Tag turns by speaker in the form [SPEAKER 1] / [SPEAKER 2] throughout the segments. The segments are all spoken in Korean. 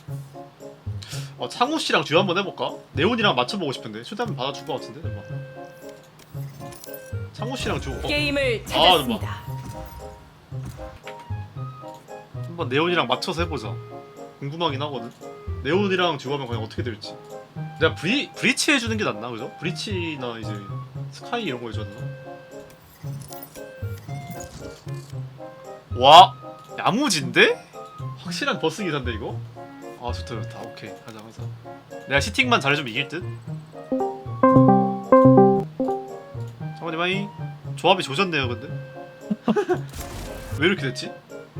[SPEAKER 1] 창우 씨랑 듀오 한번 해볼까? 네온이랑 맞춰보고 싶은데 초대 한번 받아줄 것 같은데 잠깐. 창우 씨랑 듀오.
[SPEAKER 2] 게임을 찾았습니다.
[SPEAKER 1] 한번 네온이랑 맞춰서 해보자. 궁금하긴 하거든. 네온이랑 듀오 하면 과연 어떻게 될지. 내가 브리치 해주는 게 낫나 그죠? 브리치나 이제 스카이 이런 거 해줬나? 와 야무진데? 확실한 버스 기사인데 이거? 아 좋다 좋다. 오케이 가자 가자. 내가 시팅만 잘해주면 이길 듯? 잠깐만 마이 조합이 조졌네요 근데 왜 이렇게 됐지?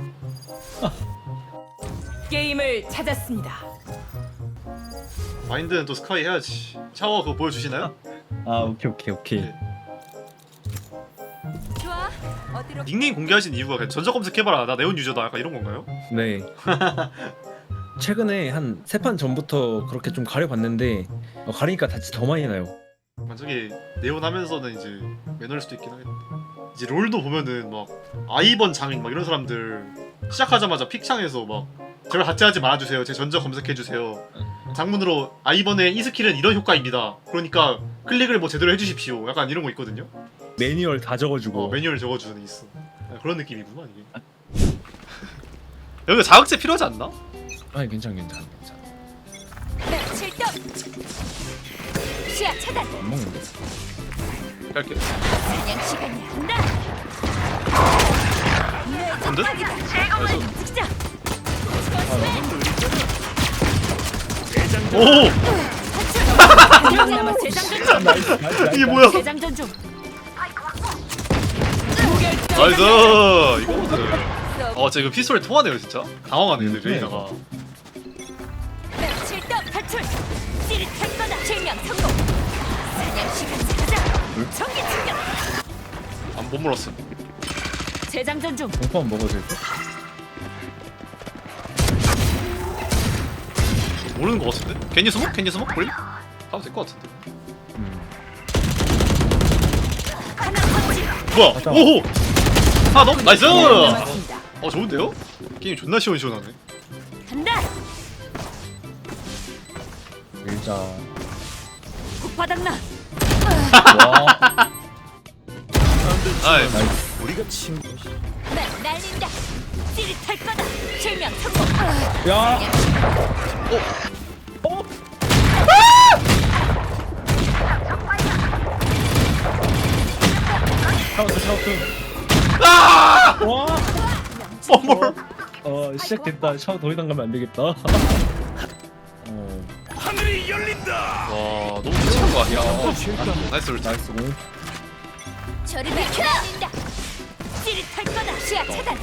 [SPEAKER 2] 게임을 찾았습니다.
[SPEAKER 1] 마인드는 또 스카이 해야지. 샤워 그거 보여주시나요?
[SPEAKER 3] 아 오케이.
[SPEAKER 1] 네.
[SPEAKER 2] 좋아. 어디로?
[SPEAKER 1] 닉네임 공개하신 이유가 그냥 전적 검색해봐라 나 네온 유저다 약간 이런 건가요?
[SPEAKER 3] 네. 최근에 한 3판 전부터 그렇게 좀 가려봤는데 가리니까 다치 더 많이 나요.
[SPEAKER 1] 만약에 네온 하면서는 이제 매너일 수도 있긴 하겠다. 이제 롤도 보면은 막 아이번 장인 막 이런 사람들 시작하자마자 픽창에서 막 제발 하트하지 말아주세요. 제 전적 검색해주세요. 장문으로 아이번의 이 스킬은 이런 효과입니다. 그러니까 클릭을 뭐 제대로 해주십시오. 약간 이런 거 있거든요.
[SPEAKER 3] 매뉴얼 다 적어주고.
[SPEAKER 1] 매뉴얼 적어주는 게 있어. 그런 느낌이구만 이게. 여기 자극제 필요하지 않나?
[SPEAKER 3] 아니 괜찮아.
[SPEAKER 2] 출동. 시야 차단.
[SPEAKER 3] 안 먹는데.
[SPEAKER 1] 갈게.
[SPEAKER 2] 사냥 시간이 한다.
[SPEAKER 1] 근데?
[SPEAKER 2] 찍자.
[SPEAKER 1] 오!
[SPEAKER 2] 한명 남았. 재장전 중.
[SPEAKER 3] 나이스.
[SPEAKER 1] 이게 뭐야?
[SPEAKER 2] 재장전 중.
[SPEAKER 1] 나이스! 이거거든. 진짜 이거 피스톨에 통하네요 진짜. 당황하네 근데 레이나가.
[SPEAKER 2] 출동 탈출. 찌릿할 거다. 실명 성공. 사냥 시간 가자. 전기 충격.
[SPEAKER 1] 못 물었어.
[SPEAKER 2] 재장전 중.
[SPEAKER 3] 공포만 먹어도 될 듯?
[SPEAKER 1] 모르는 거 같은데? 괜히 스모크? 괜히 스모크? 볼래? 가도 될 거 같은데.
[SPEAKER 2] 하나 터치.
[SPEAKER 1] 뭐야?
[SPEAKER 3] 맞다.
[SPEAKER 1] 오호! 하나 더? 나이스!
[SPEAKER 2] 남았습니다.
[SPEAKER 1] 좋은데요? 게임 존나 시원시원하네.
[SPEAKER 2] 간다.
[SPEAKER 3] 밀자.
[SPEAKER 2] 폭파당나.
[SPEAKER 3] 와.
[SPEAKER 1] 아이,
[SPEAKER 3] 나이스.
[SPEAKER 2] 날린다. 찌릿할 거다. 실명 성공.
[SPEAKER 3] 야. 샤우트.
[SPEAKER 1] 아!
[SPEAKER 3] 와.
[SPEAKER 1] 뭘?
[SPEAKER 3] 시작됐다. 샤워 더 이상 가면 안 되겠다.
[SPEAKER 1] 와, 너무 미치는 거 아니야? 나이스 울
[SPEAKER 3] 나이스 공.
[SPEAKER 2] 저리 비켜. 날린다. 찌릿할 거다. 시야 차단.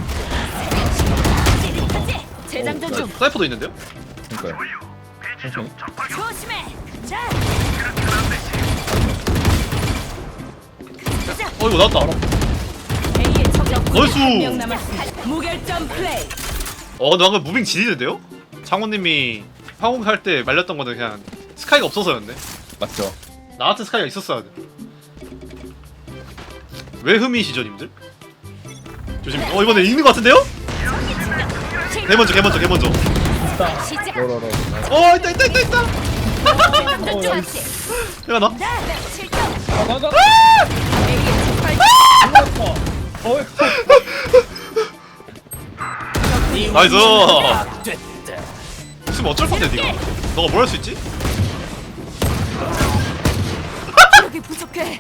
[SPEAKER 2] 찌릿하지. 재장전 중.
[SPEAKER 1] 사이퍼도 있는데요?
[SPEAKER 3] 그러니까요. 천천히.
[SPEAKER 2] 조심해. 자.
[SPEAKER 1] 이거 나왔다.
[SPEAKER 2] A의 적적
[SPEAKER 1] 나이스!
[SPEAKER 2] 한명 남았습니다. 무결점 플레이.
[SPEAKER 1] 근데 방금 무빙 지리는데요? 장호님이 황금 할 때 말렸던 거는 그냥 스카이가 없어서였네.
[SPEAKER 3] 맞죠.
[SPEAKER 1] 나 같은 스카이가 있었어야 돼. 왜 흠이시죠, 님들? 조심. 이번에 이기는 거 같은데요? 개 먼저.
[SPEAKER 3] 있다.
[SPEAKER 2] 시작.
[SPEAKER 3] 로로로.
[SPEAKER 1] 있다.
[SPEAKER 2] 재장전 중.
[SPEAKER 1] 내가 나?
[SPEAKER 2] 실격.
[SPEAKER 3] 나가.
[SPEAKER 2] A의 적발.
[SPEAKER 1] 나이스. 있으면 어쩔 건데 니가? 너가 뭘 할 수 있지?
[SPEAKER 2] 여기 부족해.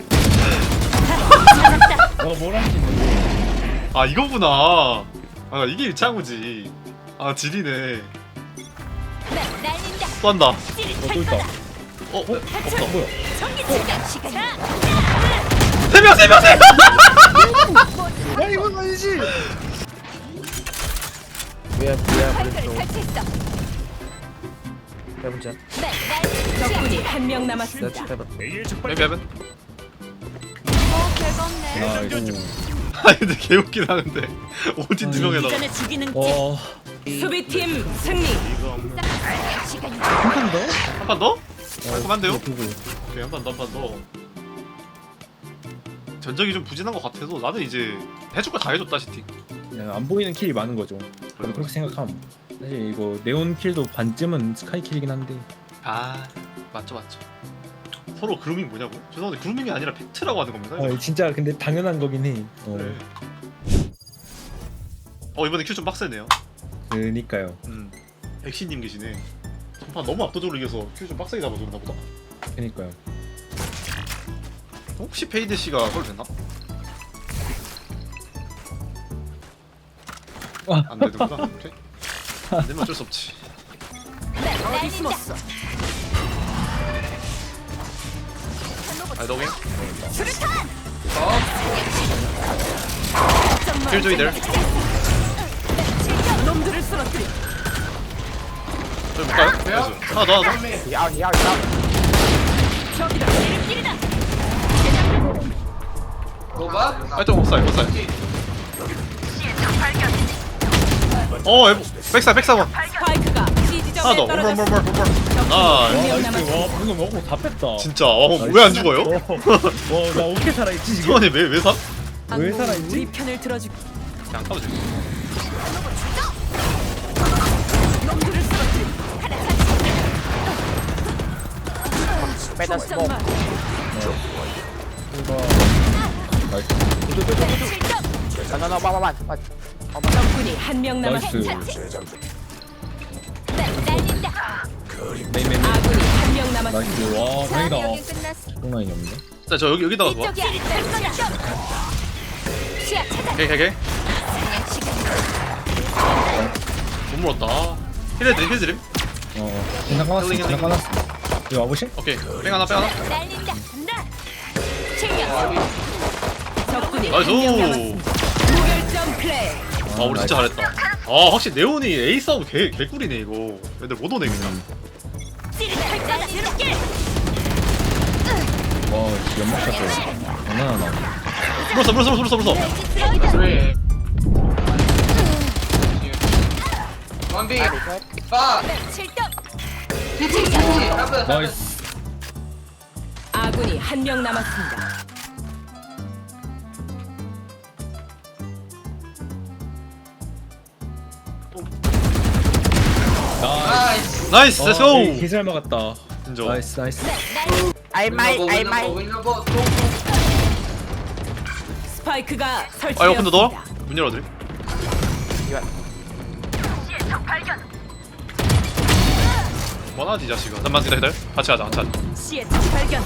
[SPEAKER 3] 뭘 할 수 있는데?
[SPEAKER 1] 아 이거구나. 이게 일창우지. 지리네.
[SPEAKER 2] 날린다.
[SPEAKER 1] 또 한다.
[SPEAKER 2] 찌릿할
[SPEAKER 3] 또 있다.
[SPEAKER 2] 거다.
[SPEAKER 1] 없다.
[SPEAKER 3] 뭐야?
[SPEAKER 2] 전기 충격 시간.
[SPEAKER 1] 세 명.
[SPEAKER 3] 야 이건 아니지.
[SPEAKER 2] 발걸을 탈취했어.
[SPEAKER 4] 해보자.
[SPEAKER 2] 적군이 한 명 남았습니다.
[SPEAKER 1] 맵.
[SPEAKER 3] 나이스.
[SPEAKER 1] 근데 개웃긴 하는데 오딘 두 명에다가.
[SPEAKER 2] 이전에 죽이는
[SPEAKER 3] 와.
[SPEAKER 2] 수비팀 승리. 시간이
[SPEAKER 3] 한판 더?
[SPEAKER 1] 한 판 더? 깔끔한데요?
[SPEAKER 3] 보고.
[SPEAKER 1] 오케이 한 판 더. 전적이 좀 부진한 것 같아서 나는 이제 해줄 거 다 해줬다 시팅.
[SPEAKER 3] 그냥 안 보이는 킬이 많은 거죠. 저도 그렇게 생각함. 사실 이거 네온 킬도 반쯤은 스카이 킬이긴 한데.
[SPEAKER 1] 아 맞죠. 서로 그루밍 뭐냐고? 죄송한데 그루밍이 아니라 팩트라고 하는 겁니다.
[SPEAKER 3] 진짜 근데 당연한 거긴 해.
[SPEAKER 1] 그래. 이번에 큐 좀 빡세네요.
[SPEAKER 3] 그니까요.
[SPEAKER 1] 백신님 계시네. 전판 너무 압도적으로 이겨서 큐 좀 빡세게 잡아줬나 보다.
[SPEAKER 3] 그니까요.
[SPEAKER 1] 혹시 페이드 씨가 서울 됐나? 안 되는구나. 오케이. 안 되면 어쩔 수 없지.
[SPEAKER 2] 어디 숨었어?
[SPEAKER 1] 아이더윙
[SPEAKER 2] 수류탄!
[SPEAKER 1] 킬조이들.
[SPEAKER 2] 놈들을 쓰러뜨려.
[SPEAKER 1] 저기 볼까요? 나이스. 하나 더.
[SPEAKER 2] 저기다. 일길이다.
[SPEAKER 1] 아이템 못 살. 에보. 백사 원.
[SPEAKER 2] 스파이크가 C
[SPEAKER 1] 하나
[SPEAKER 2] 지점에
[SPEAKER 1] 더.
[SPEAKER 2] 떨어졌어.
[SPEAKER 1] 물. 나이스.
[SPEAKER 3] 와 방금 먹고 다 뺐다.
[SPEAKER 1] 진짜. 왜 안 죽어요?
[SPEAKER 3] 와나 어떻게 살아있지 지금?
[SPEAKER 1] 수원이 왜 사?
[SPEAKER 3] 왜 살아있지?
[SPEAKER 2] 우리 편을 들어주고
[SPEAKER 1] 그냥 타도 돼.
[SPEAKER 2] 놈들을 쓰러뜨려.
[SPEAKER 4] Better smoke.
[SPEAKER 2] 정말.
[SPEAKER 4] No, one.
[SPEAKER 2] 적군이 한 명
[SPEAKER 3] 나이스.
[SPEAKER 2] 남았습니다. 날린다.
[SPEAKER 3] 메인.
[SPEAKER 2] 아군이 한 명 남았습니다.
[SPEAKER 3] 나이스. 와 다행이다.
[SPEAKER 2] 끝났어.
[SPEAKER 3] 똥라인이 없네.
[SPEAKER 1] 자, 저 여기다가 봐.
[SPEAKER 2] 이쪽이야. 시야 차단.
[SPEAKER 1] 오케이.
[SPEAKER 2] 사냥 시간.
[SPEAKER 1] 못 물었다. 힐드림.
[SPEAKER 3] 그냥 까놨어. 여기 와보실?
[SPEAKER 1] 오케이. 뺑 하나.
[SPEAKER 2] 날린다. 간다. 실명. 적군이
[SPEAKER 1] 나이스.
[SPEAKER 2] 한 명 남았습니다. 무결점 플레이.
[SPEAKER 1] 우리 진짜 잘했다. 확실히 네온이 A 싸움 개꿀이네 이거. 애들 못 오네 그냥.
[SPEAKER 2] 찌릿할 거다. 이렇게.
[SPEAKER 3] 와 연막샷도 장난 하나.
[SPEAKER 1] 물었어.
[SPEAKER 5] Three. One B.
[SPEAKER 2] 칠점.
[SPEAKER 3] 나이스.
[SPEAKER 2] 아군이 한 명 남았습니다.
[SPEAKER 5] Nice.
[SPEAKER 1] 나이스. 렛츠고.
[SPEAKER 3] 개잘 막았다.
[SPEAKER 1] 인정.
[SPEAKER 3] 나이스.
[SPEAKER 4] I might.
[SPEAKER 5] Winnable.
[SPEAKER 2] 스파이크가
[SPEAKER 1] 오픈도 넣어?
[SPEAKER 2] 설치되었습니다.
[SPEAKER 1] 문 열어드림. 뭐하지 이 자식아. 잠깐만 기다려. 같이 하자.
[SPEAKER 2] 시의 적 발견.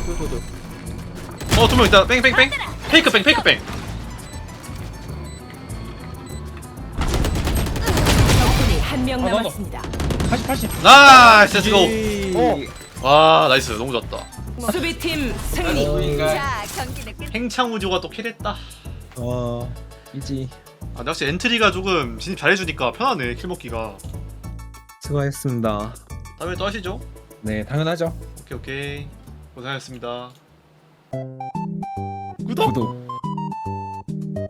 [SPEAKER 1] 두 명 있다. 뺑. 페이크 뺑.
[SPEAKER 2] 적군이 한 명
[SPEAKER 3] 나도.
[SPEAKER 2] 남았습니다.
[SPEAKER 3] 80.
[SPEAKER 1] 나이스. 렛츠고. 와 나이스. 너무 좋았다.
[SPEAKER 2] 수비팀 승리.
[SPEAKER 5] 자,
[SPEAKER 2] 경기는 끝.
[SPEAKER 1] 행창우조가 또 킬했다.
[SPEAKER 3] 와 이지.
[SPEAKER 1] 근데 확실히 엔트리가 조금 진입 잘해주니까 편하네 킬 먹기가.
[SPEAKER 3] 수고하셨습니다.
[SPEAKER 1] 다음에 또 하시죠.
[SPEAKER 3] 네 당연하죠.
[SPEAKER 1] 오케이. 고생하셨습니다. 구독.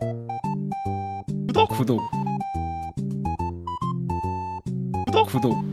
[SPEAKER 3] 구독.